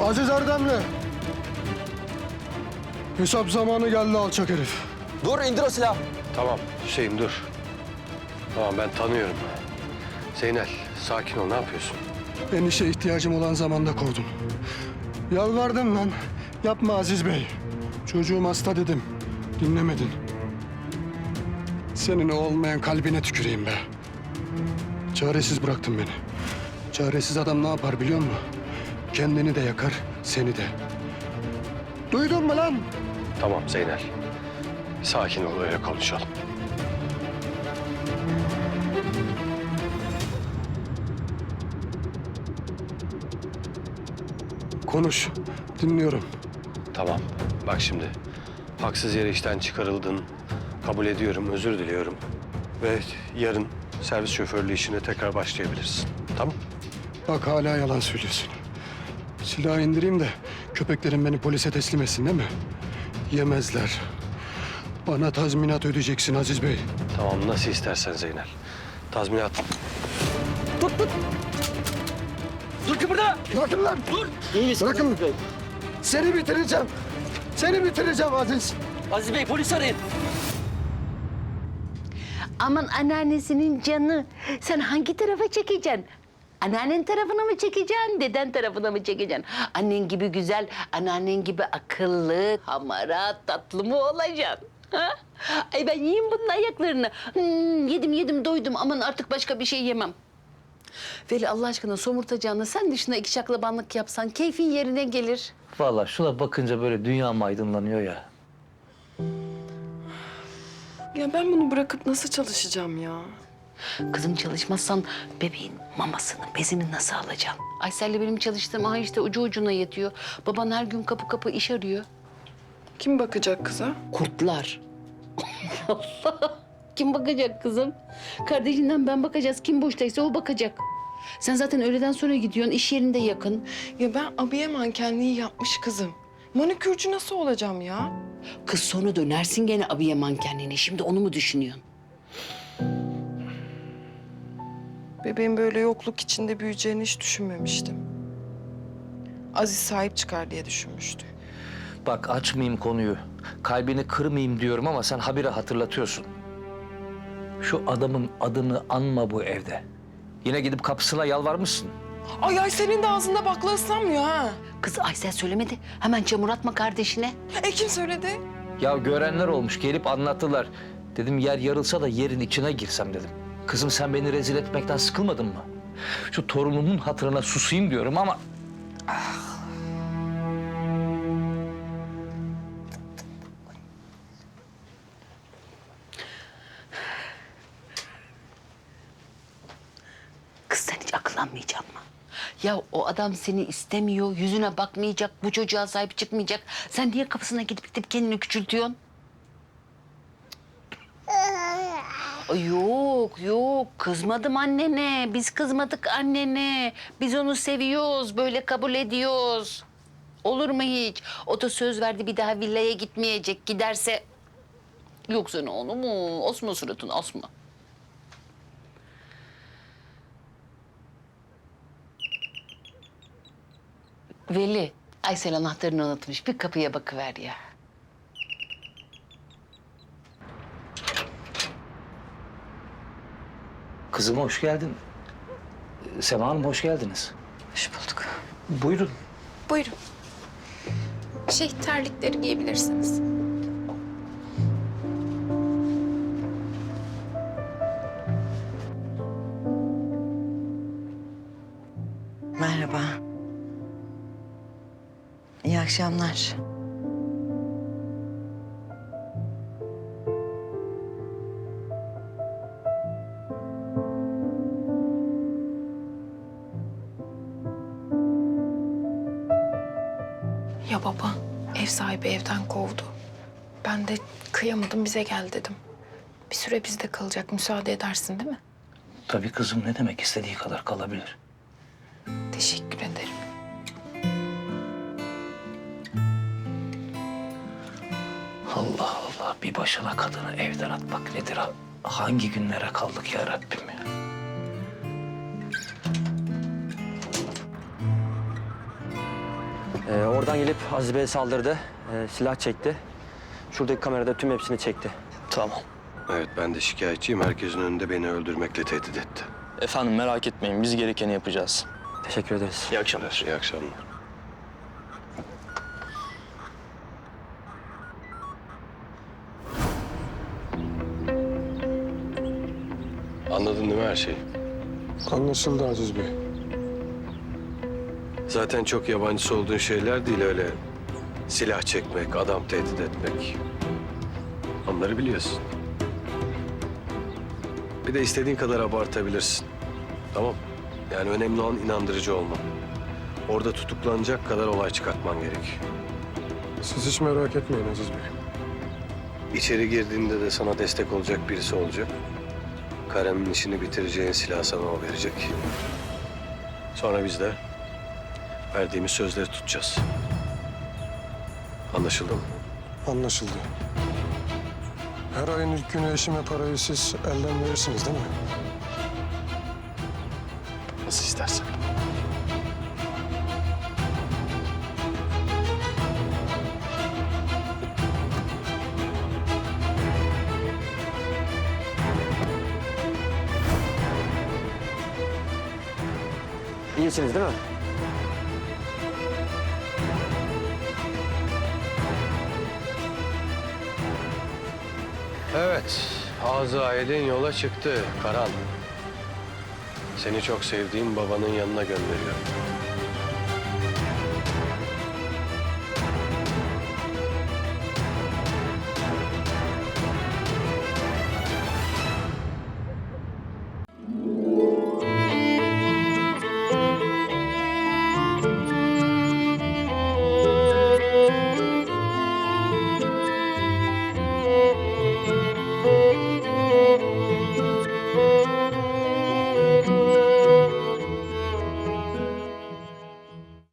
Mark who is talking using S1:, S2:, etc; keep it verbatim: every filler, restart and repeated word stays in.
S1: Aziz Erdemli. Hesap zamanı geldi alçak herif.
S2: Dur, indir o silahı.
S3: Tamam Hüseyin dur. Tamam ben tanıyorum. Zeynel sakin ol, ne yapıyorsun?
S1: En işe ihtiyacım olan zamanda kovdum. Yalvardım lan. Yapma Aziz Bey. Çocuğum hasta dedim. Dinlemedin. Senin o olmayan kalbine tüküreyim be. Çaresiz bıraktın beni. Çaresiz adam ne yapar biliyor musun? Kendini de yakar, seni de. Duydun mu lan?
S3: Tamam Zeynel. Sakin ol, öyle konuşalım.
S1: Konuş. Dinliyorum.
S3: Tamam. Bak şimdi. Haksız yere işten çıkarıldın. Kabul ediyorum, özür diliyorum. Ve yarın servis şoförlüğü işine tekrar başlayabilirsin. Tamam?
S1: Bak hala yalan söylüyorsun. Silahı indireyim de köpeklerin beni polise teslim etsin değil mi? Yemezler. Bana tazminat ödeyeceksin Aziz Bey.
S3: Tamam, nasıl istersen Zeynel. Tazminat.
S2: Dur kıpırda.
S1: Bırakın lan!
S2: Dur. İyi misin?
S1: Bırakın.
S2: Aziz Bey?
S1: Seni bitireceğim. Seni bitireceğim Aziz.
S2: Aziz Bey, polis arayın.
S4: Aman anneannesinin canı. Sen hangi tarafa çekeceksin? Anneannen tarafına mı çekeceksin, deden tarafına mı çekeceksin? Annen gibi güzel, anneannen gibi akıllı, hamarat, tatlı mı olacaksın? Ha? Ay ben yiyeyim bunun ayaklarını. Hmm, yedim yedim doydum, aman artık başka bir şey yemem. Veli Allah aşkına somurtacağına sen dışına iki şaklabanlık yapsan keyfin yerine gelir.
S5: Vallahi şuna bakınca böyle dünyam aydınlanıyor ya.
S6: Ya ben bunu bırakıp nasıl çalışacağım ya?
S4: Kızım çalışmazsan bebeğin mamasını, bezini nasıl alacaksın? Aysel'le benim çalıştığım aha işte ucu ucuna yetiyor. Baban her gün kapı kapı iş arıyor.
S6: Kim bakacak kıza?
S4: Kurtlar. Allah! Kim bakacak kızım? Kardeşinden ben bakacağız. Kim boştaysa o bakacak. Sen zaten öğleden sonra gidiyorsun. İş yerinde yakın.
S6: Ya ben abiye mankenliği yapmış kızım. Manikürcü nasıl olacağım ya?
S4: Kız sonra dönersin gene abiye mankenliğine. Şimdi onu mu düşünüyorsun?
S6: Bebeğin böyle yokluk içinde büyüyeceğini hiç düşünmemiştim. Aziz sahip çıkar diye düşünmüştüm.
S5: Bak açmayayım konuyu. Kalbini kırmayayım diyorum ama sen habire hatırlatıyorsun. Şu adamın adını anma bu evde. Yine gidip kapısına yalvarmışsın.
S6: Ay ay senin de ağzında bakla ıslanmıyor ha.
S4: Kız Aysel söylemedi. Hemen çamur atma kardeşine.
S6: E kim söyledi?
S5: Ya görenler olmuş gelip anlattılar. Dedim yer yarılsa da yerin içine girsem dedim. Kızım sen beni rezil etmekten sıkılmadın mı? Şu torunumun hatırına susayım diyorum ama...
S4: Kız sen hiç akıllanmayacaksın mı? Ya o adam seni istemiyor, yüzüne bakmayacak, bu çocuğa sahip çıkmayacak. Sen niye kapısına gidip gidip kendini küçültüyorsun? Ay yok, yok. Kızmadım annene. Biz kızmadık annene. Biz onu seviyoruz, böyle kabul ediyoruz. Olur mu hiç? O da söz verdi bir daha villaya gitmeyecek. Giderse... Yoksa ne onu mu? Asma suratını, asma. Veli, Aysel anahtarını unutmuş. Bir kapıya bakıver ya.
S5: Kızım hoş geldin. Sema Hanım hoş geldiniz.
S7: Hoş bulduk.
S5: Buyurun.
S7: Buyurun. Şey, terlikleri giyebilirsiniz.
S8: Merhaba. İyi akşamlar.
S7: Ya baba, ev sahibi evden kovdu. Ben de kıyamadım, bize gel dedim. Bir süre bizde kalacak, müsaade edersin değil mi?
S5: Tabii kızım ne demek istediği kadar kalabilir.
S7: Teşekkür ederim.
S5: Allah Allah bir başına kadını evden atmak nedir ha? Hangi günlere kaldık ya Rabbim ya?
S2: Oradan gelip Aziz Bey'e saldırdı. Ee, silah çekti. Şuradaki kamerada tüm hepsini çekti.
S9: Tamam.
S3: Evet, ben de şikayetçiyim. Herkesin önünde beni öldürmekle tehdit etti.
S9: Efendim merak etmeyin. Biz gerekeni yapacağız.
S2: Teşekkür ederiz.
S9: İyi akşamlar.
S3: İyi akşamlar. Anladın değil mi her şeyi?
S1: Anlaşıldı Aziz Bey.
S3: Zaten çok yabancısı olduğun şeyler değil öyle. Silah çekmek, adam tehdit etmek. Onları biliyorsun. Bir de istediğin kadar abartabilirsin. Tamam. Yani önemli olan inandırıcı olman. Orada tutuklanacak kadar olay çıkartman gerek.
S1: Siz hiç merak etmeyin Aziz Bey.
S3: İçeri girdiğinde de sana destek olacak birisi olacak. Karemin işini bitireceğin silah sana o verecek. Sonra biz de verdiğimiz sözleri tutacağız. Anlaşıldı mı?
S1: Anlaşıldı. Her ayın ilk günü eşime parayı siz elden verirsiniz değil mi?
S3: Nasıl istersen.
S2: İyisiniz değil mi?
S3: Evet, Azrail'in yola çıktı Karan. Seni çok sevdiğim babanın yanına gönderiyorum.